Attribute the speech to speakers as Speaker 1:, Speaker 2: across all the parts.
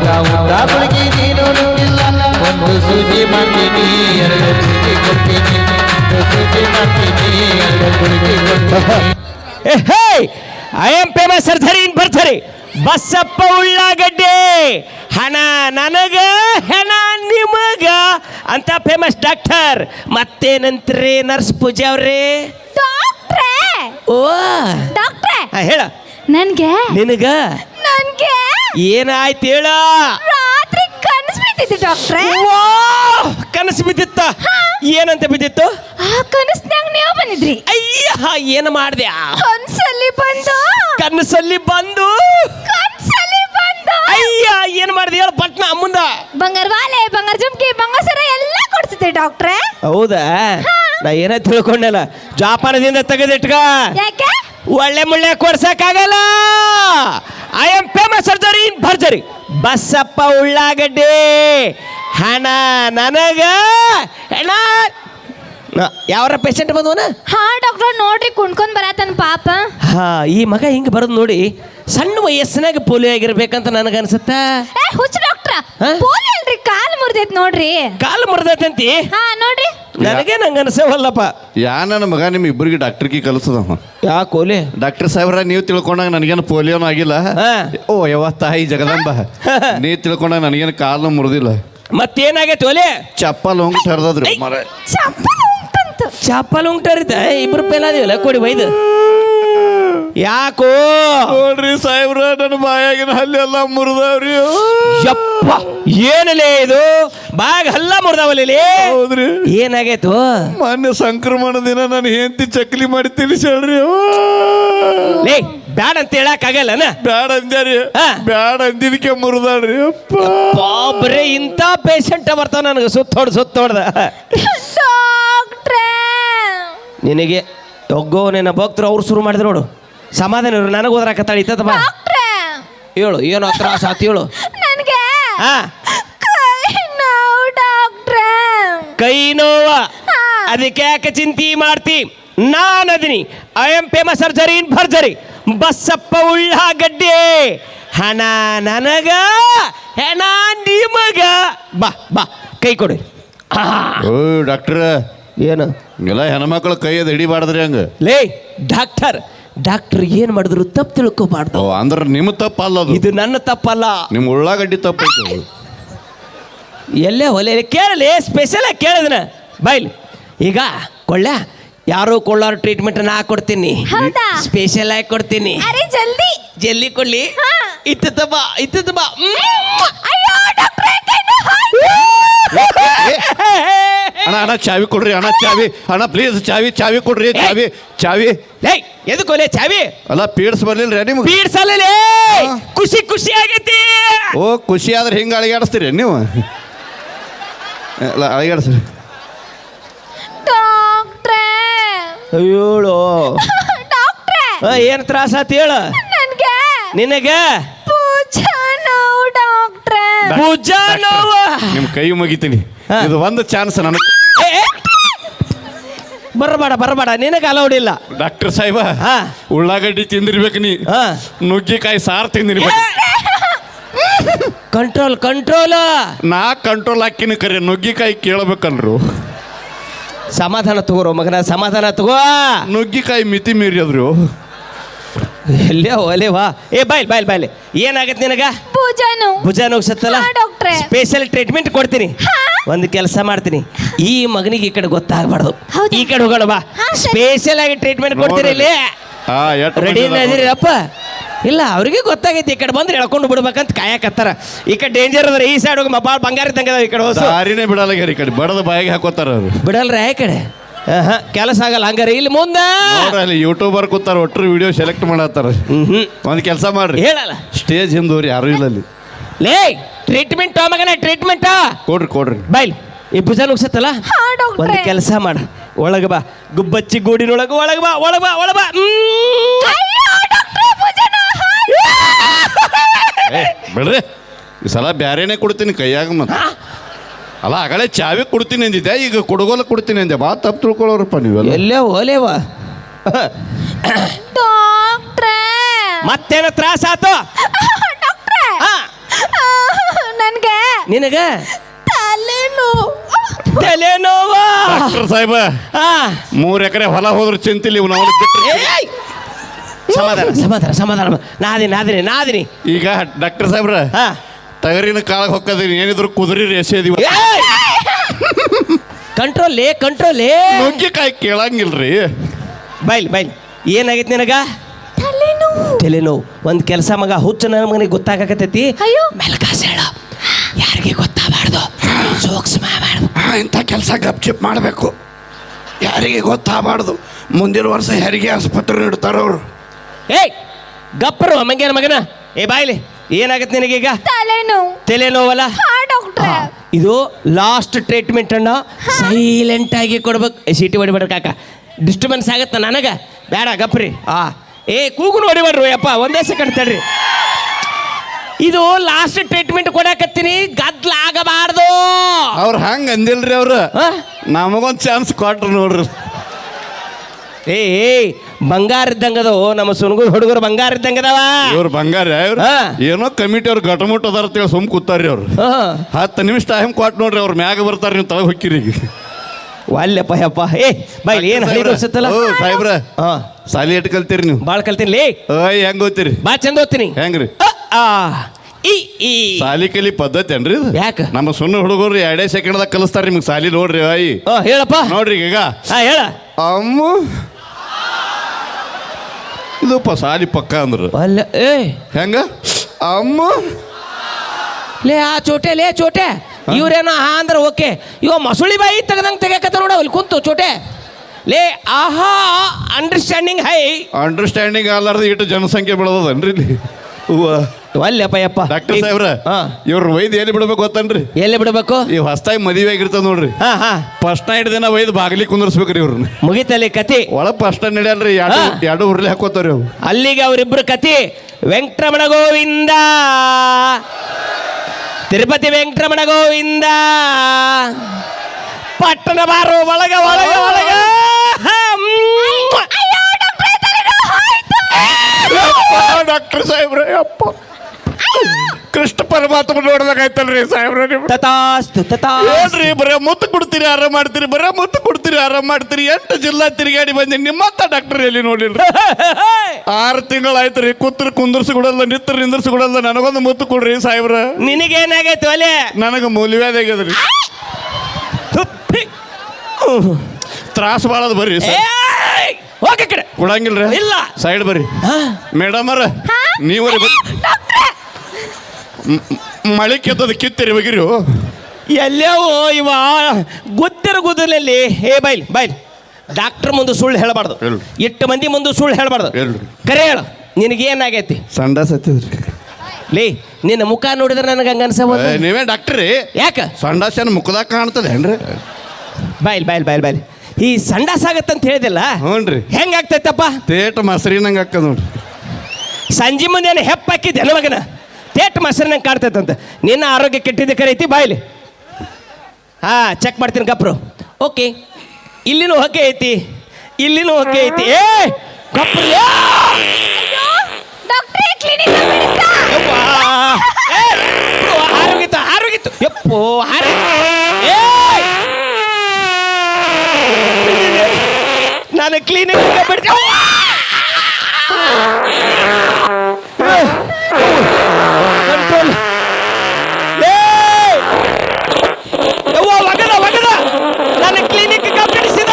Speaker 1: ಉದ್ದ ಗುಳಿಗೆ ನೀನು ನುಂಗಿಲ್ಲ ಒಂದು ಸೂಜಿ ಮಾಡ್ತೀನಿ ಎರಡು ಗುಳಿಗೆ ಕೊಡ್ತೀನಿ ಒಂದು ಸೂಜಿ ಮಾಡ್ತೀನಿ ಎರಡು ಗುಳಿಗೆ ಕೊಡ್ತೀನಿ.
Speaker 2: I am famous surgery in ಭರ್ಜರಿ ಬಸಪ್ಪ ಉಳ್ಳಾಗಡ್ಡೆ ಹಣ ನನಗ ಹೆಣ ನಿಮಗ ಅಂತ ಫೇಮಸ್ ಡಾಕ್ಟರ್. ಮತ್ತೇನಂತ್ರಿ ನರ್ಸ್ ಪೂಜಾ ಅವ್ರಿ?
Speaker 3: ಡಾಕ್ಟ್ರೇ
Speaker 2: ಓ
Speaker 3: ಡಾಕ್ಟ್ರೇ
Speaker 2: ಹೇಳ.
Speaker 3: ನನ್ಗೆ
Speaker 2: ನಿನಗ
Speaker 3: ನನ್ಗೆ
Speaker 2: ಏನಾಯ್ತು ಹೇಳ?
Speaker 3: ರಾತ್ರಿ ಕನಸು ಬಿದ್ದಿತ್ತು ಡಾಕ್ಟ್ರೇ.
Speaker 2: ಕನಸು ಬಿದ್ದಿತ್ತ? ಏನಂತ ಬಿದ್ದಿತ್ತು?
Speaker 3: ಆ ಕನಸ್ನ್ಯಾಗ ನೀವು ಬಂದಿದ್ರಿ.
Speaker 2: ಅಯ್ಯ ಏನು ಮಾಡ್ದೆ?
Speaker 3: ಕನಸಲ್ಲಿ ಬಂದು
Speaker 2: ಕನಸಲ್ಲಿ ಬಂದು ಅಯ್ಯ ಏನು ಮಾಡಿದೆ ಹೇಳ ಪಟ್ನ ಮುಂದ.
Speaker 3: ಬಂಗಾರ ವಾಲೆ ಬಂಗಾರ ಜುಮ್ಕಿ ಬಂಗಾರ ಸರ ಎಲ್ಲ ಕೊಡ್ಸಿದ್ರಿ ಡಾಕ್ಟ್ರೇ.
Speaker 2: ಹೌದಾ? ನಾ ಏನ ತಿಳ್ಕೊಂಡಲ್ಲ, ಜಾಪಾನದಿಂದ ತೆಗೆದಿಟ್ಕ.
Speaker 3: ಯಾಕೆ?
Speaker 2: ಒಳ್ಳೆ ಮುಳ್ಳೆ ಕೊಡ್ಸಕ್ಕಾಗಲ್ಲ. I am famous surgery in ಭರ್ಜರಿ ಬಸಪ್ಪ ಉಳ್ಳಾಗಡ್ಡೆ ಹಣ ನನಗ ಹೆಣ. ಯಾವ್ರ ಪೇಷಂಟ್ ಬಂದವನ?
Speaker 3: ಹಾ ಡಾಕ್ಟರ್ ನೋಡ್ರಿ ಕುಣ್ಕೊಂಡ್ ಬರತನ ಪಾಪ.
Speaker 2: ಹಾ ಈ ಮಗ ಹಿಂಗ ಬರೋದು ನೋಡಿ ಸಣ್ಣ ವಯಸ್ಸಿನಾಗ ಪೋಲಿಯೋ ಆಗಿರ್ಬೇಕಂತ ನನಗನ್ಸುತ್ತ.
Speaker 3: ಹುಚ್ಚ ಡಾಕ್ಟ್ರ ಪೋಲಿಯೋ ಅಲ್ರಿ, ಕಾಲು ಮುರಿದೈತ್ ನೋಡ್ರಿ.
Speaker 2: ಕಾಲು ಮುರಿದೈತಂತಿ?
Speaker 3: ಹಾ ನೋಡ್ರಿ.
Speaker 2: ನನಗೆ ನಂಗೆ ಅನ್ಸವಲ್ಲಪ್ಪ.
Speaker 4: ನನ್ನ ಮಗ ನಿಮ್ ಇಬ್ಬರಿಗೆ ಡಾಕ್ಟರ್ಗೆ ಕಲಿಸದವ.
Speaker 2: ಯಾಕೋಲೆ?
Speaker 4: ಡಾಕ್ಟರ್ ಸಾಹೇಬ್ರ ನೀವು ತಿಳ್ಕೊಂಡಾಗ ನನಗೇನು ಪೋಲಿಯೋನು ಆಗಿಲ್ಲ. ಓ ಯಾವ ತಾಯಿ ಜಗದಂಬ, ನೀ ತಿಳ್ಕೊಂಡಾಗ ನನಗೇನು ಕಾಲು ಮುರಿದಿಲ್ಲ.
Speaker 2: ಮತ್ತೇನಾಗೈತೆ ಒಲೆ?
Speaker 4: ಚಪ್ಪಲ್ ಹೋಗಿ ಹರಿದ್ರಿ ಮರ.
Speaker 2: ಚಪ್ಪಲ್ ಉಂಟರಿತ ಇಬ್ರು ಪೇಲಾದಿವಲ್ಲ ಕೊಡಿ ಬೈದು. ಯಾಕೋ
Speaker 4: ನೋಡ್ರಿ ಸಾಹೇಬ್ರ ನನ್ನ ಬಾಯಾಗಿನ ಹಲ್ಲಿ ಎಲ್ಲ ಮುರಿದವ್ರಿ.
Speaker 2: ಯಪ್ಪ ಏನಲೇ ಇದು ಬಾಗ ಹಲ್ಲ ಮುರಿದವಲ್ಲಿ?
Speaker 4: ಹೌದ್ರಿ.
Speaker 2: ಏನಾಗೈತು?
Speaker 4: ಮೊನ್ನೆ ಸಂಕ್ರಮಣ ದಿನ ನಾನು ಹೆಂಡತಿ ಚಕ್ಲಿ ಮಾಡಿ ತಿಳಿಸ್ಯಾಳ್ರಿ.
Speaker 2: ಲೇ ಬ್ಯಾಡ ಅಂತ ಹೇಳಕ್ ಆಗಲ್ಲನ?
Speaker 4: ಬ್ಯಾಡ ಅಂದ್ಯಾರಿ. ಬ್ಯಾಡ ಅಂದಿದಕ್ಕೆ ಮುರಿದಾಳ್ರಿ.
Speaker 2: ಬರೇ ಇಂಥ ಪೇಷಂಟ್ ಬರ್ತಾವ ನನಗೆ ಸುತ್ತೋಡ್ದ. ನಿನಗೆ ಒಗ್ಗೋ ನಿನ್ನ ಭಕ್ತರು ಅವ್ರು ಶುರು ಮಾಡಿದ್ರು ನೋಡು. ಸಮಾಧಾನ ಇರು, ನನಗೆ ಓದ್ರಾಕತ್ತಾಳ ಇತ್ತ ಬಾ ಹೇಳು ಏನೋ ತ್ರಾಸ ಆತ ಹೇಳು.
Speaker 3: ನನಗೆ
Speaker 2: ಕೈ ನೋವ ಅದಕ್ಕೆ ಯಾಕೆ ಚಿಂತೆ ಮಾಡ್ತಿ? ನಾನು ಅದೀನಿ. I am famous surgery in ಭರ್ಜರಿ ಬಸಪ್ಪ ಉಳ್ಳಾಗಡ್ಡೆ ಹಣ ನನಗ ಹೆಣ ನಿಮಗ. ಬಾ ಬಾ ಕೈ ಕೊಡಿ.
Speaker 4: ಓ ಡಾಕ್ಟರ್
Speaker 2: ಏನು
Speaker 4: ಎಲ್ಲ ಹೆಣ್ಮಕ್ಳು ಕೈ ಅದು ಹಿಡಿಬಾರ್ದ್ರಿ ಹಂಗ.
Speaker 2: ಲೇ ಡಾಕ್ಟರ್ ಏನ್ ಮಾಡಿದ್ರು ತಪ್ಪು ತಿಳ್ಕೊಬಾರ್ದು.
Speaker 4: ಅಂದ್ರೆ ನಿಮ್ಮ ತಪ್ಪಲ್ಲ ಅದು.
Speaker 2: ಇದು ನನ್ನ ತಪ್ಪಲ್ಲ,
Speaker 4: ನಿಮ್ಮ ಉಳ್ಳಾಗಡ್ಡಿ ತಪ್ಪು.
Speaker 2: ಎಲ್ಲೇ ಹೊಲೆ ಕೇಳಲಿ, ಸ್ಪೆಷಲ್ ಆಗಿ ಕೇಳಿದನ ಬೈಲಿ. ಈಗ ಕೊಳ್ಳ ಯಾರು ಕೊಳ್ಳಾರ ಟ್ರೀಟ್ಮೆಂಟ್ ನಾ ಕೊಡ್ತೀನಿ, ಸ್ಪೆಷಲ್ ಆಗಿ ಕೊಡ್ತೀನಿ. ಜಲ್ದಿ ಕೊಡ್ಲಿ. ಇತ್ತ ಬಾ.
Speaker 4: ಅಣ್ಣ ಚಾವಿ ಕೊಡ್ರಿ ಅಣ್ಣ, ಚಾವಿ ಅಣ್ಣ ಪ್ಲೀಸ್, ಚಾವಿ ಕೊಡ್ರಿ. ಚಾವಿ
Speaker 2: ಎದಕ್ಕೋಲೆ ಚಾವಿ?
Speaker 4: ಅಲ್ಲ ಪೀಡ್ಸ್ ಬರ್ಲಿಲ್ರಿ ನಿಮ್ಗೆ?
Speaker 2: ಪೀಡ್ಸಲ್ಲ, ಖುಷಿ ಆಗೈತಿ.
Speaker 4: ಓ ಖುಷಿ ಆದ್ರೆ ಹಿಂಗೆ ಅಳಿಗಾಡಿಸ್ತೀರಿ ನೀವು? ಅಲ್ಲ ಅಳಿಗಾಡಿಸ್ರಿ.
Speaker 2: ಅಯ್ಯೋಳು ಏನ್ ತ್ರಾಸ ಆತ ಹೇಳ? ನಿನಗ ಭುಜಾ ನೋವ.
Speaker 4: ನಿಮ್ ಕೈ ಮುಗಿತೀನಿ. ಇದು ಒಂದು ಚಾನ್ಸ್ ನನಗೆ.
Speaker 2: ಬರಬೇಡ ನಿನಗೆ ಅಲೌಡ್ ಇಲ್ಲ.
Speaker 4: ಡಾಕ್ಟರ್ ಸಾಹೇಬ ಉಳ್ಳಾಗಡ್ಡಿ ತಿಂದಿರ್ಬೇಕು, ನೀ ನುಗ್ಗಿಕಾಯಿ ಸಾರು ತಿಂದಿರ್ಬೇಕು.
Speaker 2: ಕಂಟ್ರೋಲ್
Speaker 4: ನಾ ಕಂಟ್ರೋಲ್ ಹಾಕಿನ ಕರೆ ನುಗ್ಗಿಕಾಯಿ ಕೇಳಬೇಕಲ್ರು.
Speaker 2: ಸಮಾಧಾನ ತಗೋರೋ ಮಗನ, ಸಮಾಧಾನ ತಗೋ.
Speaker 4: ನುಗ್ಗಿಕಾಯಿ ಮಿತಿ ಮೀರಿದ್ರು.
Speaker 2: ಎಲ್ಲೇ ಒಲೆ ವಾ. ಬಾಯ್ಲಿ ಏನಾಗತ್ತೆ ನಿನಗ? ಭುಜ ನೋಗ್ಸತ್ತಲ್ಲ, ಸ್ಪೆಷಲ್ ಟ್ರೀಟ್ಮೆಂಟ್ ಕೊಡ್ತೀನಿ. ಒಂದು ಕೆಲಸ ಮಾಡ್ತೀನಿ, ಈ ಮಗನಿಗೆ ಈ ಕಡೆ ಗೊತ್ತಾಗಬಾರ್ದು, ಈ ಕಡೆ ಹೋಗೋಣ ಬಾ. ಸ್ಪೆಷಲ್ ಆಗಿ ಟ್ರೀಟ್ಮೆಂಟ್ ಕೊಡ್ತೀರಿ ಇಲ್ಲಿ. ರೆಡಿ ಇದೀರಿ ಅಪ್ಪ? ಇಲ್ಲ ಅವ್ರಿಗೆ ಗೊತ್ತಾಗೈತಿ, ಈ ಕಡೆ ಬಂದ್ರೆ ಎಳ್ಕೊಂಡು ಬಿಡ್ಬೇಕಂತ ಕಾಯಕತ್ತಾರ. ಈ ಕಡೆ ಡೇಂಜರ್ ಅದ್ರ, ಈ ಸೈಡ್ ಹೋಗಿ ಭಾಳ ಬಂಗಾರ ಇದ್ದಂಗೆ ಈ ಕಡೆ ಹೋಸ
Speaker 4: ದಾರಿನೇ ಬಿಡಲ್ಲ. ಈ ಕಡೆ ಬಡದ ಬಾಯಿಗೆ ಹಾಕೋತಾರ ಅವ್ರು.
Speaker 2: ಬಿಡಲ್ರ ಈ ಕಡೆ ಕೆಲಸ ಆಗಲ್ಲ ಹಂಗಾರೆ. ಇಲ್ಲಿ ಮುಂದೆ
Speaker 4: ಅಲ್ಲಿ ಯೂಟ್ಯೂಬರ್ ಕೂತಾರ, ಒಟ್ಟರು ವಿಡಿಯೋ ಸೆಲೆಕ್ಟ್ ಮಾಡತ್ತಾರ. ಒಂದು ಕೆಲಸ ಮಾಡ್ರಿ,
Speaker 2: ಹೇಳಲ್ಲ
Speaker 4: ಸ್ಟೇಜ್ ಹಿಂದೂರಿ ಯಾರು ಇಲ್ಲ ಅಲ್ಲಿ.
Speaker 2: ಲೇ ಟ್ರೀಟ್ಮೆಂಟ್ ಮಗನ, ಟ್ರೀಟ್ಮೆಂಟ್
Speaker 4: ಕೊಡ್ರಿ.
Speaker 2: ಬಾಯ್ಲಿ ಈ ಭುಜ ನುಗ್ಸತ್ತಲ್ಲ, ಒಂದು ಕೆಲಸ ಮಾಡ, ಒಳಗ ಬಾ. ಗುಬ್ಬಚ್ಚಿ ಗೂಡಿನೊಳಗ ಒಳಗ ಬಾ.
Speaker 4: ಬಿಡ್ರಿ, ಈ ಸಲ ಬ್ಯಾರೇನೆ ಕೊಡ್ತೀನಿ ಕೈಯಾಗ. ಮತ್ತೆ ಅಲ್ಲ ಆಗಲೇ ಚಾವಿ ಕೊಡ್ತೀನಿ ಅಂದಿದ್ದೆ, ಈಗ ಕೊಡಗೋಲ ಕೊಡ್ತೀನಿ ಅಂದೆ. ಬಾ ತಪ್ಪು ತಿಳ್ಕೊಳ್ಳೋರಪ್ಪ ನೀವೆಲ್ಲ.
Speaker 2: ಎಲ್ಲೇ ಓಲೇವಾ ಮತ್ತೇನೋ ತ್ರಾಸ ಆತು? ನಿನಗ
Speaker 3: ತಲೆನೋವು.
Speaker 2: ತಲೆನೋವ
Speaker 4: ಡಾಕ್ಟರ್ ಸಾಹೇಬ
Speaker 2: ಹಾ
Speaker 4: 3 ಎಕರೆ ಹೊಲ ಹೋದ್ರು ಚಿಂತಿಲ್ಲ ಇವ್ ನಾವು ಬಿಟ್ಟು
Speaker 2: ಏಯ್! ಸಮಾಧಾನ ಸಮಾಧಾನ ಸಮಾಧಾನ ನಾದಿನಿ
Speaker 4: ಈಗ ಡಾಕ್ಟರ್ ಸಾಹೇಬ್ರ
Speaker 2: ಹಾ
Speaker 4: ಟಗರಿನ ಕಾಳಗ್ ಹೊಕ್ಕದ್ರಿ ಏನಿದ್ರು ಕುದುರೆ ರೇಸೇದಿವ
Speaker 2: ಕಂಟ್ರೋಲೇ
Speaker 4: ನುಗ್ಗಿಕಾಯಿ ಕೇಳಂಗಿಲ್ರಿ.
Speaker 2: ಬೈಲ್ ಏನಾಗೈತಿ ನಿನಗ ತಲೆನೋವು ಒಂದು ಕೆಲಸ ಮಗ ಹುಚ್ಚ ನನ್ನ ಮಗನಿಗೆ ಗೊತ್ತಾಗಕತ್ತೈತಿ
Speaker 3: ಅಯ್ಯೋ.
Speaker 2: ಮೆಲ್ಕಾಸ್ ಹೇಳ ಯಾರಿಗೆ ಗೊತ್ತಾಗಬಾರ್ದು ಸೂಕ್ಷ್ಮ ಮಾಡು
Speaker 4: ಇಂಥ ಕೆಲಸ ಗಪ್ಚಿಪ್ ಮಾಡಬೇಕು, ಯಾರಿಗೆ ಗೊತ್ತಾಗಬಾರ್ದು. ಮುಂದಿನ ವರ್ಷ ಹೆರಿಗೆ ಆಸ್ಪತ್ರೆ ಇಡ್ತಾರ ಅವರು.
Speaker 2: ಏಯ್ ಗಪ್ಪರು ಮಂಗ್ಯಾನ ಮಗನ ಏ ಬಾಯ್ಲಿ ಏನಾಗತ್ತೆ ನಿನಗೀಗ ತಲೆನೋವಲ್ಲ
Speaker 3: ಡಾಕ್ಟ್ರೆ
Speaker 2: ಇದು ಲಾಸ್ಟ್ ಟ್ರೀಟ್ಮೆಂಟ್ ಅನ್ನ ಸೈಲೆಂಟ್ ಆಗಿ ಕೊಡ್ಬೇಕು. ಸೀಟಿ ಹೊಡಿಬೇಡ್ರಿ ಕಾಕ, ಡಿಸ್ಟರ್ಬೆನ್ಸ್ ಆಗತ್ತ ನನಗೆ ಬೇಡ ಗಪ್ರಿ. ಏ ಕೂಗುನು ಹೊಡಿಬೇಡ್ರಿ ಅಪ್ಪ, ಒಂದೇ ಸೆಕೆಂಡ್ ತಡ್ರಿ. ಇದು ಲಾಸ್ಟ್ ಟ್ರೀಟ್ಮೆಂಟ್ ಕೊಡಕತ್ತೀನಿ, ಗದ್ಲ ಆಗಬಾರ್ದು.
Speaker 4: ಅವ್ರು ಹಂಗ ಅಂದಿಲ್ರಿ ಅವ್ರು, ನಮಗೊಂದು ಚಾನ್ಸ್ ಕೊಟ್ರು ನೋಡ್ರಿ.
Speaker 2: ಏಯ್ ಬಂಗಾರ ಇದ್ದಂಗದ ನಮ್ಮ ಸುನಗುರ್ ಹುಡುಗರು ಬಂಗಾರ ಇದ್ದಂಗದವ.
Speaker 4: ಇವ್ರು ಬಂಗಾರ ಏನೋ ಕಮಿಟಿ ಅವ್ರು ಗಟಮುಟ್ ಅದಾರ ಅಂತೇಳಿ ಸುಮ್ ಕೂತಾರ್ರಿ ಅವ್ರು. 10 ನಿಮಿಷ ಟೈಮ್ ಕೊಟ್ಟು ನೋಡ್ರಿ, ಅವ್ರ ಮ್ಯಾಗ ಬರ್ತಾರ, ನೀವು ತಳಗ ಹೊಕ್ಕಿರಿ.
Speaker 2: ಅಲ್ಲಪ್ಪ ಯಪ್ಪ ಏ ಬೈಲ್ ಏನು ಹಳಿ ತೋರ್ಸತ್ತಲ್ಲ
Speaker 4: ಸಾಹೇಬ್ರ ಸಾಲಿ ಎಟ್ ಕಲ್ತೀರಿ ನೀವು?
Speaker 2: ಭಾಳ ಕಲ್ತೀನಿ.
Speaker 4: ಹೆಂಗ್ ಓದ್ತೀರಿ?
Speaker 2: ಬಾ ಚಂದ ಓದ್ತೀನಿ.
Speaker 4: ಹೆಂಗ್ರಿ?
Speaker 2: ಈ
Speaker 4: ಸಾಲಿ ಕಲಿ ಪದ್ಧತಿ ಏನ್ರಿ?
Speaker 2: ಯಾಕ
Speaker 4: ನಮ್ಮ ಸುಣ್ಣ ಹುಡುಗರು 2 ಸೆಕೆಂಡ್ದಾಗ ಕಲಿಸ್ತಾರ ನಿಮ್ಗೆ ಸಾಲಿ. ನೋಡ್ರಿ ಅಯ್ಯ
Speaker 2: ಹೇಳಪ್ಪ
Speaker 4: ನೋಡ್ರಿ ಈಗ
Speaker 2: ಹೇಳ
Speaker 4: ಅಮ್ಮ ಇದಪ್ಪ ಸಾಲಿ ಪಕ್ಕ ಅಂದ್ರು
Speaker 2: ಅಲ್ಲ ಏ
Speaker 4: ಹೆಂಗ ಅಮ್ಮ
Speaker 2: ಲೇ ಚೋಟೆ ಇವ್ರೇನೋ ಅಂದ್ರೆ ಓಕೆ ಇವ ಮಸುಳಿ ಬಾಯಿ ತೆಗ್ದಂಗೆ ತೆಗಿಯಕತ್ತ ನೋಡ ಅಲ್ಲಿ ಕುಂತು ಚೋಟೆ ಲೇ ಆಹಾ
Speaker 4: ಅಂಡರ್ಸ್ಟ್ಯಾಂಡಿಂಗ್ ಅಲ್ಲಾರ್ದು ಇಟ್ಟು ಜನಸಂಖ್ಯೆ ಬೆಳೆದನ್ರಿ ಇಲ್ಲಿ.
Speaker 2: ಅಲ್ಲಪ್ಪ ಯಪ್ಪ
Speaker 4: ಡಾಕ್ಟರ್ ಸಾಹೇಬ್ರ ಇವ್ರ ವೈದ್ ಎಲ್ಲಿ ಬಿಡ್ಬೇಕು ಗೊತ್ತನ್ರಿ?
Speaker 2: ಎಲ್ಲಿ ಬಿಡ್ಬೇಕು?
Speaker 4: ಈ ಹೊಸ್ತಾಗಿ ಮದುವೆ ಆಗಿರ್ತದ ನೋಡ್ರಿ, ಫಸ್ಟ್ ನೈಟ್ ದಿನ ವೈದ್ ಬಾಗಿಲಿ ಕುಂದರ್ಸ್ಬೇಕ್ರಿ ಇವ್ರನ್ನ.
Speaker 2: ಮುಗಿತಲ್ಲಿ ಕತಿ
Speaker 4: ಒಳಗ್ ಫಸ್ಟ್ ನಡೆಯಲ್ರಿ, ಎರಡು ಉರ್ಲಿ ಹಾಕೋತಾರ ಅವು.
Speaker 2: ಅಲ್ಲಿಗೆ ಅವ್ರಿಬ್ರು ಕತಿ ವೆಂಕಟರಮಣ ಗೋವಿಂದ, ತಿರುಪತಿ ವೆಂಕಟರಮಣ ಗೋವಿಂದ, ಪಟ್ಟಣ ಬಾರು ಒಳಗ
Speaker 4: ಡಾಕ್ಟರ್ ಸಾಹೇಬ್ರ ಅಪ್ಪ ಕೃಷ್ಣ ಪರಮಾತ್ಮ ನೋಡ್ದಾಗಾಯ್ತಲ್ರಿ ಸಾಹೇಬ್ರ. ಏನ್ರಿ ಬರೇ ಮುತ್ತು ಕೊಡ್ತೀರಿ ಆರಾಮ್ ಮಾಡ್ತೀರಿ, ಬರೇ ಮುತ್ತು ಕೊಡ್ತೀರಿ ಆರಾಮ್ ಮಾಡ್ತೀರಿ. 8 ಜಿಲ್ಲಾ ತಿರುಗಾಡಿ ಬಂದಿ, ನಿಮ್ಮತ್ತ ಡಾಕ್ಟರ್ ಎಲ್ಲಿ ನೋಡಿಲ್ರಿ? 6 ತಿಂಗಳಾಯ್ತ್ರಿ, ಕುಂದರ್ಸಿ ಕೊಡಲ್ಲ, ನಿಂದರ್ಸಿ ಕೊಡಲ್ಲ. ನನಗೊಂದು ಮುತ್ತು ಕೊಡ್ರಿ ಸಾಹೇಬ್ರ.
Speaker 2: ನಿನಗೇನಾಗೈತು ಅಲೆ?
Speaker 4: ನನಗೆ ಮೂಲ್ಯವ್ಯಾಧ ಆಗ್ಯದ್ರಿ, ತ್ರಾಸ ಬಾಳದ್. ಬರ್ರಿ
Speaker 2: ಹೋಗ ಕಡೆ
Speaker 4: ಕೊಡಂಗಿಲ್ರಿ?
Speaker 2: ಇಲ್ಲ
Speaker 4: ಸೈಡ್ ಬರ್ರಿ ಮೇಡಮ್ ಅವ್ರ. ನೀವರಿ ಮಳೆ ಕೆತ್ತದ ಕಿತ್ತಿರಿ ಬಗಿರಿ
Speaker 2: ಎಲ್ಲವೋ ಇವ ಗುದ್ದಲ್ಲಿ ಹೇ ಬೈಲ್ ಡಾಕ್ಟರ್ ಮುಂದೆ ಸುಳ್ಳು ಹೇಳಬಾರ್ದು, 8 ಮಂದಿ ಮುಂದೆ ಸುಳ್ಳು ಹೇಳಬಾರ್ದು, ಕರೆ ಹೇಳು. ನಿನಗೇನಾಗೈತಿ?
Speaker 4: ಸಂಡಾಸ್ ಹತ್ತಿದ್ರಿ.
Speaker 2: ಲೇ ನಿನ್ನ ಮುಖ ನೋಡಿದ್ರೆ ನನಗೆ ಹಂಗ ಅನ್ಸಬಹುದು.
Speaker 4: ನೀವೇ ಡಾಕ್ಟ್ರಿ?
Speaker 2: ಯಾಕ
Speaker 4: ಸಂಡಾಸನ ಮುಖದಾಗ ಕಾಣ್ತದೆ ಏನ್ರಿ?
Speaker 2: ಬೈಲ್ ಈ ಸಂಡಾಸ ಆಗತ್ತಂತ ಹೇಳಿದಿಲ್ಲ?
Speaker 4: ಹ್ಞೂನ್ರಿ.
Speaker 2: ಹೆಂಗಾಗ್ತೈತಪ್ಪ?
Speaker 4: ತೇಟ ಮಸರಿನಂಗೆ ಹಾಕದ್ ನೋಡ್ರಿ.
Speaker 2: ಸಂಜೆ ಮುಂದೆ ಏನು ಹೆಪ್ಪಾಕಿದ್ದೆ ಮಗನ, ತೇಟ ಮಸರಿನಂಗೆ ಕಾಣ್ತೈತಂತ. ನಿನ್ನ ಆರೋಗ್ಯ ಕೆಟ್ಟಿದ್ದೆ ಕರೀತಿ ಬಾಯ್ಲಿ. ಚೆಕ್ ಮಾಡ್ತೀನಿ ಗಪ್ರು. ಓಕೆ, ಇಲ್ಲಿನೂ ಹೊಕ್ಕೆ ಐತಿ, ಇಲ್ಲಿನೂ ಹೊಕ್ಕೆ ಐತಿ. ಏ ಗಪ್ರು ಆರೋಗಿತ್ತು ಯಪ್ಪೋ ನಾನು ಕ್ಲೀನಿಕ್ ಬಿಡ್ತೀನಿ. ಕಂಟ್ರೋಲ್ ಒಗದ ನಾನು ಕ್ಲಿನಿಕ್ ಬಿಡಿಸಿದ.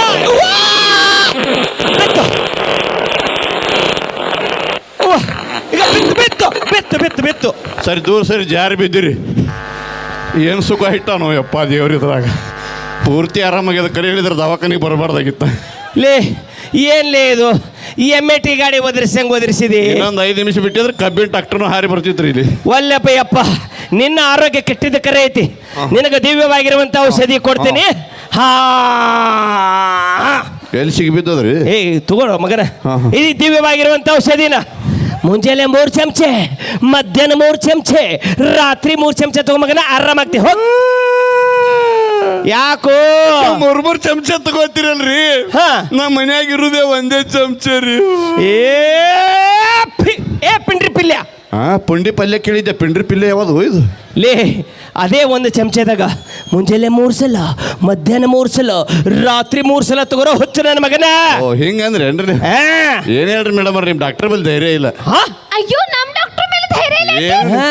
Speaker 2: ಈಗ ಬಿತ್ತು
Speaker 4: ಸರಿ ದೂರ ಸರಿ ಜಾರಿ ಬಿದ್ದಿರಿ. ಏನು ಸುಖ ಹಿಟ್ಟಾನೋ ಯಪ್ಪ ದೇವ್ರಿದ್ರಾಗ. ಪೂರ್ತಿ ಆರಾಮಾಗ್ಯದ. ಕರೆ ಹೇಳಿದ್ರೆ ದವಾಖಾನಿಗೆ ಬರಬಾರ್ದಾಗಿತ್ತ.
Speaker 2: ಲೇ ಏನ್ಲೇ ಇದು MAT ಗಾಡಿ ಒದರಿಸಿದಿ?
Speaker 4: ಇನ್ನೊಂದು 5 ನಿಮಿಷ ಬಿಟ್ಟಿದ್ರೆ ಕಬ್ಬಿನ ಡಾಕ್ಟರ್ನು ಹಾರಿ ಬರ್ತಿದ್ರಿ ಇಲ್ಲಿ.
Speaker 2: ಒಲ್ಲಪ್ಪ ಯಪ್ಪ, ನಿನ್ನ ಆರೋಗ್ಯ ಕೆಟ್ಟಿದ್ದ ಕರೆ ಐತಿ. ನಿನಗೆ ದಿವ್ಯವಾಗಿರುವಂತ ಔಷಧಿ ಕೊಡ್ತೀನಿ.
Speaker 4: ಎಲ್ಲಿ ಸಿಗಿಬಿದ್ದದ್ರಿ?
Speaker 2: ಏ ತಗೊಳ್ಳೋ ಮಗನ, ಇದು ದಿವ್ಯವಾಗಿರುವಂತ ಔಷಧಿನ ಮುಂಜಾನೆ 3 ಚಮಚೆ, ಮಧ್ಯಾಹ್ನ 3 ಚಮಚೆ, ರಾತ್ರಿ 3 ಚಮಚೆ ತಗೋ ಮಗನ, ಆರಾಮಾಗ್ತಿ. ಹೋಗ್. ಯಾಕೋ
Speaker 4: 3 ಚಮಚ ತಗೋತೀರಲ್ರಿ? ನಮ್ಮ ಮನ್ಯಾಗ ಇರುದೇ 1 ಚಮಚ ರೀ.
Speaker 2: ಏ ಪಿಂಡ್ರಿ ಪಿಲ್ಯ
Speaker 4: ಪುಂಡಿ ಪಲ್ಯ ಕೇಳಿದ್ದೆ, ಪಿಂಡ್ರಿ ಪಿಲ್ಲೆ ಯಾವುದು ಇದು?
Speaker 2: ಲೇ ಅದೇ ಒಂದು ಚಮಚದಾಗ ಮುಂಜಾನೆ 3 ಸಲ, ಮಧ್ಯಾಹ್ನ 3 ಸಲ, ರಾತ್ರಿ 3 ಸಲ ತಗೋರೋ ಹುಚ್ಚು ನನ್ನ ಮಗನ.
Speaker 4: ಓ ಹಿಂಗಂದ್ರೆ ಏನ್ರಿ?
Speaker 2: ಆ,
Speaker 4: ಏನ್ ಹೇಳ್ರಿ ಮೇಡಮ್ ಅವ್ರಿ, ನಿಮ್ ಡಾಕ್ಟರ್ ಬಲ್ಲಿ ಧೈರ್ಯ ಇಲ್ಲ.
Speaker 2: ಹಾ?
Speaker 3: ಅಯ್ಯೋ ನಮ್ ಡಾಕ್ಟರ್ ಮೇಲೆ ಧೈರ್ಯ ಇಲ್ಲ.
Speaker 4: ಏನ್?
Speaker 2: ಹಾ.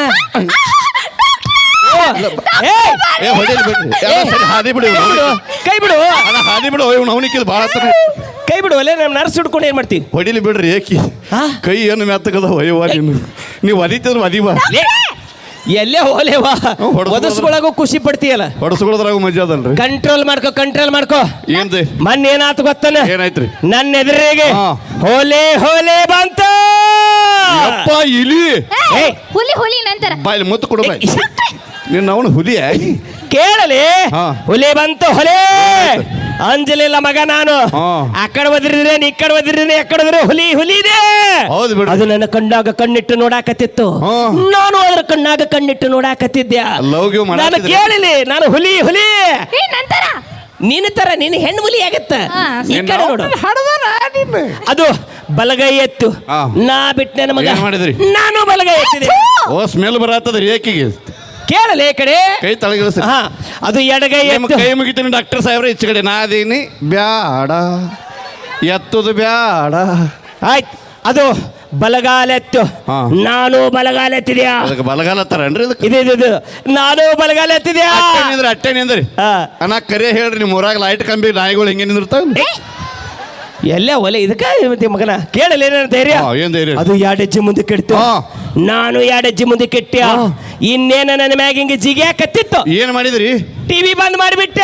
Speaker 2: ಏಯ್,
Speaker 4: ಏ ಹೊಡಿಲಿ ಬಿಡ್ರಿ, ಎಲ್ಲ ಸರಿ, ಹಾದಿ ಬಿಡು
Speaker 2: ಕೈ ಬಿಡು, ಕೈ ಬಿಡು,
Speaker 4: ಅಣ್ಣ, ಹಾದಿ ಬಿಡು. ಇವ್ನು ಅವನಿಕ್ಕಿಲ್ಲ ಭಾಳ ಹತ್ರ.
Speaker 2: ಕೈ ಬಿಡು. ಅಲ್ಲೇ ನಮ್ಮ ನರ್ಸ್ ಹಿಡ್ಕೊಂಡು ಏನ್ ಮಾಡ್ತೀವಿ?
Speaker 4: ಹೊಡಿಲಿ ಬಿಡ್ರಿ ಏಕಿ.
Speaker 2: ಹಾ?
Speaker 4: ಕೈ ಏನು ಮೆತ್ತಗದ ಹೊಯ್ಯವ ನೀವು ಒದಿತಿದ್ರು ಒದಿವ.
Speaker 2: ಲೇ, ಎಲ್ಲೇ ಹೋಲೇವಾ, ಒದಸ್ಕೊಳಗು ಖುಷಿ ಪಡ್ತೀಯಲ್ಲ,
Speaker 4: ಹೊಡಸ್ಕೊಳ್ಳೋದ್ರಾಗ ಮಜಾ ಅದಲ್ರಿ.
Speaker 2: ಕಂಟ್ರೋಲ್ ಮಾಡ್ಕೋ, ಕಂಟ್ರೋಲ್ ಮಾಡ್ಕೋ.
Speaker 4: ಏನ್ರಿ?
Speaker 2: ಮೊನ್ನೆ ಏನಾತು ಗೊತ್ತಾನ?
Speaker 4: ಏನಾಯ್ತ್ರಿ?
Speaker 2: ನನ್ನ ಎದುರಿಗೆ
Speaker 4: ಹಾ.
Speaker 2: ಹೋಲೆ ಹೋಲೆ ಬಂತ.
Speaker 4: ಅಪ್ಪ ಇಲಿ
Speaker 2: ಏಯ್,
Speaker 3: ಹುಲಿ ಹುಲಿ ನಂತರ
Speaker 4: ಬಾಯಲ್ಲಿ ಮುತ್ತು ಕೊಡು ಬಾಯ್. ನಿನ್ನ ಅವನು ಹುಲಿಯ
Speaker 2: ಕೇಳಲಿ.
Speaker 4: ಹಾ.
Speaker 2: ಹುಲಿ ಬಂತು, ಹೊಲೆ ಅಂಜಲಿಲ್ಲ ಮಗ ನಾನು.
Speaker 4: ಹಾ.
Speaker 2: ಆ ಕಡೆ ಒದ್ರಿದ್ರೇನು, ಈ ಕಡೆ ಒದ್ರಿದ್ರೇನು, ಎಕ್ಕಡೆ ಹೋದ್ರೆ ಹುಲಿ ಹುಲಿದೆ.
Speaker 4: ಹೌದು ಬಿಡ್ರಿ.
Speaker 2: ಅದು ನನ್ನ ಕಣ್ಣಾಗ ಕಣ್ಣಿಟ್ಟು ನೋಡಾಕತ್ತಿತ್ತು.
Speaker 4: ಹಾ.
Speaker 2: ನಾನು ಅದ್ರ ಕಣ್ಣಾಗ ಕಣ್ಣಿಟ್ಟು ನೋಡಾಕತ್ತಿದ್ದೆ.
Speaker 4: ಲವ್ ಗಿವ್
Speaker 2: ನಾನು
Speaker 4: ಮಾಡಾಕತ್ತಿದ್ರಿ?
Speaker 2: ಕೇಳಿಲಿ, ನಾನು ಹುಲಿ ಹುಲಿ.
Speaker 3: ಏ ನಂತರ
Speaker 2: ನಿನ್ನ ತರ ನೀನು ಹೆಣ್ಣು ಹುಲಿ ಆಗತ್ತ.
Speaker 3: ಹಾ.
Speaker 2: ಈ ಕಡೆ ನೋಡು, ಅದು ಬಲಗೈ ಎತ್ತು.
Speaker 4: ಹಾ.
Speaker 2: ನಾ ಬಿಟ್ಟು ನನ್ನ ಮಗ
Speaker 4: ಏನ್ ಮಾಡಿದ್ರಿ?
Speaker 2: ನಾನು ಬಲಗೈ ಎತ್ತಿದೆ.
Speaker 4: ಓ ಸ್ಮೆಲ್ ಬರತ್ತದ್ರಿ ಏಕಿಗೆ.
Speaker 2: ಕೇಳಲಿ ಈ ಕಡೆ.
Speaker 4: ಕೈ ತಳಗಿಳಿಸಿ.
Speaker 2: ಹಾ, ಅದು ಎಡಗೈ
Speaker 4: ನಿಮ್ಮ
Speaker 2: ಎತ್ತು.
Speaker 4: ಕೈ ಮುಗಿತೀನಿ ಡಾಕ್ಟರ್ ಸಾಹೇಬ್ರೆ, ಈಚೆ ಕಡೆ ನಾದೀನಿ. ಬ್ಯಾಡ ಎತ್ತದು ಬ್ಯಾಡ.
Speaker 2: ಆಯ್ತು, ಅದು ಬಲಗಾಲ ಎತ್ತು.
Speaker 4: ಹಾ.
Speaker 2: ನಾನು ಬಲಗಾಲ ಎತ್ತಿದ್ಯಾ?
Speaker 4: ಅದಕ್ಕೆ ಬಲಗಾಲ ಹತ್ತಾರನ್ರಿ ಇದಕ್ಕೆ?
Speaker 2: ಇದು ನಾನು ಬಲಗಾಲ ಎತ್ತಿದ್ಯಾ?
Speaker 4: ಅಟ್ಟೆ ನಿಂದ್ರಿ.
Speaker 2: ಹಾ.
Speaker 4: ಅಣ್ಣ ಕರೆ ಹೇಳ್ರಿ, ನಿಮ್ಮ ಊರಾಗ ಲೈಟ್ ಕಂಬಿ ನಾಯಿಗಳು ಹೆಂಗೆ ನಿಂದಿರ್ತಾವ?
Speaker 2: ಎಲ್ಲ ಒಲೆ ಇದಕ್ಕ ಮತ್ತೆ ಮಗನ ಕೇಳಲಿ ಏನ ಧೈರ್ಯ.
Speaker 4: ಹಾ, ಏನ್ ಧೈರ್ಯ?
Speaker 2: ಅದು 2 ಹೆಜ್ಜೆ ಮುಂದೆ ಕೆಡ್ತು.
Speaker 4: ಹಾ.
Speaker 2: ನಾನು 2 ಹೆಜ್ಜೆ ಮುಂದೆ ಕೆಟ್ಟ. ಇನ್ನೇನ ನನ್ನ ಮ್ಯಾಗ ಹಿಂಗೆ ಜಿಗಿಯಾಕತ್ತಿತ್ತು.
Speaker 4: ಏನ್ ಮಾಡಿದ್ರಿ?
Speaker 2: ಟಿವಿ ಬಂದ್ ಮಾಡಿಬಿಟ್ಟ.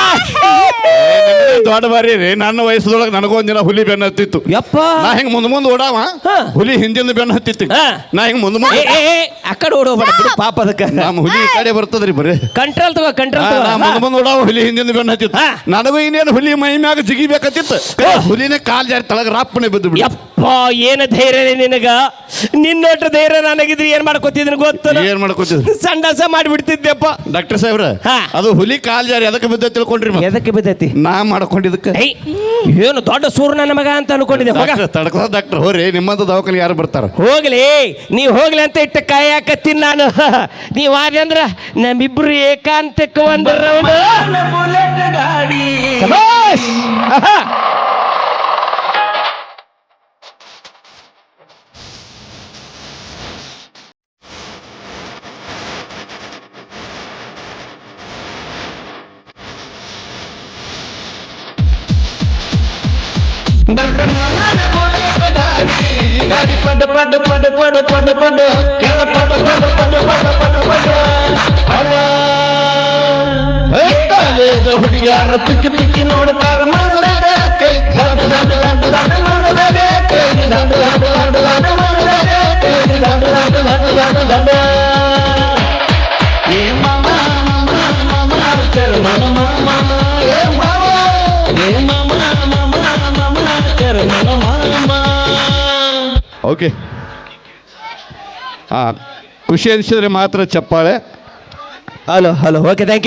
Speaker 4: ದೊಡ್ಡ ಬಾರಿ ರೀ. ನನ್ನ ವಯಸ್ಸದೊಳಗೆ ನನಗೊಂದಿನ ಹುಲಿ ಬೆನ್ನ ಹತ್ತಿತ್ತು.
Speaker 2: ಯಪ್ಪ,
Speaker 4: ನಾ ಹಿಂಗ್ ಮುಂದ್ ಓಡಾವ,
Speaker 2: ಹಾ.
Speaker 4: ಹುಲಿ ಹಿಂದಿಂದ ಬೆನ್ನ ಹತ್ತಿತ್ತು.
Speaker 2: ಹಾ.
Speaker 4: ನಾ ಹಿಂಗ್ ಮುಂದ್
Speaker 2: ಆ ಕಡೆ ಓಡೋಗ್ಬೇಡ ಬಿಡು, ಪಾಪ ಅದಕ್ಕ.
Speaker 4: ನಮ್ಮ ಹುಲಿ ಈ ಕಡೆ ಬರ್ತದ್ರಿ ಬರೀ.
Speaker 2: ಕಂಟ್ರೋಲ್ ತಗೋ, ಕಂಟ್ರೋಲ್ ತಗೋ.
Speaker 4: ನಾ ಮುಂದ್ ಓಡಾವ, ಹುಲಿ ಹಿಂದಿಂದ ಬೆನ್ನ ಹತ್ತಿತ್ತು.
Speaker 2: ಹಾ.
Speaker 4: ನನಗೂ ಇನ್ನೇನು ಹುಲಿ ಮೈ ಮ್ಯಾಗ ಜಿಗಿಬೇಕತ್ತಿತ್ತು. ಹುಲಿನೇ ಕಾಲ್ ಜಾರಿ ತಳಗ ರಾಪ್ಪನೆ ಬಿದ್ದು ಬಿಡಿ.
Speaker 2: ಯಪ್ಪ, ಏನ ಧೈರ್ಯ ನಿನಗ. ನಿನ್ನೊಟ್ಟು ಧೈರ್ಯ ನನಗಿದ್ರೆ ಏನ್ ಮಾಡ್ಕೊತಿದ್ದೀನಿ ಗೊತ್ತ?
Speaker 4: ಏನ್ ಮಾಡ್ಕೊತಿದ್ರಿ?
Speaker 2: ಸಂಡಾಸ ಮಾಡಿಬಿಡ್ತಿದ್ದೆಪ್ಪ.
Speaker 4: ಡಾಕ್ಟರ್ ಸಾಹೇಬ್ರ,
Speaker 2: ಹಾ.
Speaker 4: ಅದು ಹುಲಿ ಕಾಲ್ ಜಾರಿ ಅದಕ್ಕೆ ಬಿದ್ದ ತಿಳ್ಕೊಂಡ್ರಿ ಮತ್ತೆ?
Speaker 2: ಎದಕ್ಕೆ ಬಿದ್ದೈತಿ?
Speaker 4: ನಾ ಮಾಡ್ಕೊಂಡಿದ್ದಕ್ಕೆ.
Speaker 2: ಏಯ್, ಏನು ದೊಡ್ಡ ಸೂರ್ ನನ್ನ ಮಗ ಅಂತ ಅನ್ಕೊಂಡಿದ್ದೆ. ಹೋಗ,
Speaker 4: ತಡ್ಕೋ ಡಾಕ್ಟರ್, ಹೋರಿ ನಿಮ್ಮಂತ ದವಾಖಾನೆ ಯಾರು ಬರ್ತಾರ?
Speaker 2: ಹೋಗ್ಲಿ, ನೀವ್ ಹೋಗ್ಲಿ ಅಂತ ಇಟ್ಟ ಕಾಯಕತ್ತೀನಿ ನಾನು. ನೀವ್ ಆದ್ರೆ ಅಂದ್ರ ನಮ್ಮಿಬ್ರು ಏಕಾಂತಕ್ಕೆ ಒಂದು ರೌಂಡ್. ಶಭಾಷ್! ಆಹಾ.
Speaker 5: ಹುಡುಗಿಯಾರ ಪಿಕ್ಕಿ ಪಿಕ್ಕಿ ನೋಡ್ತಾರ
Speaker 4: ಓಕೆ. ಖುಷಿ ಅನಿಸಿದ್ರೆ ಮಾತ್ರ ಚಪ್ಪಾಳೆ.
Speaker 2: Hello hello, okay, thank you.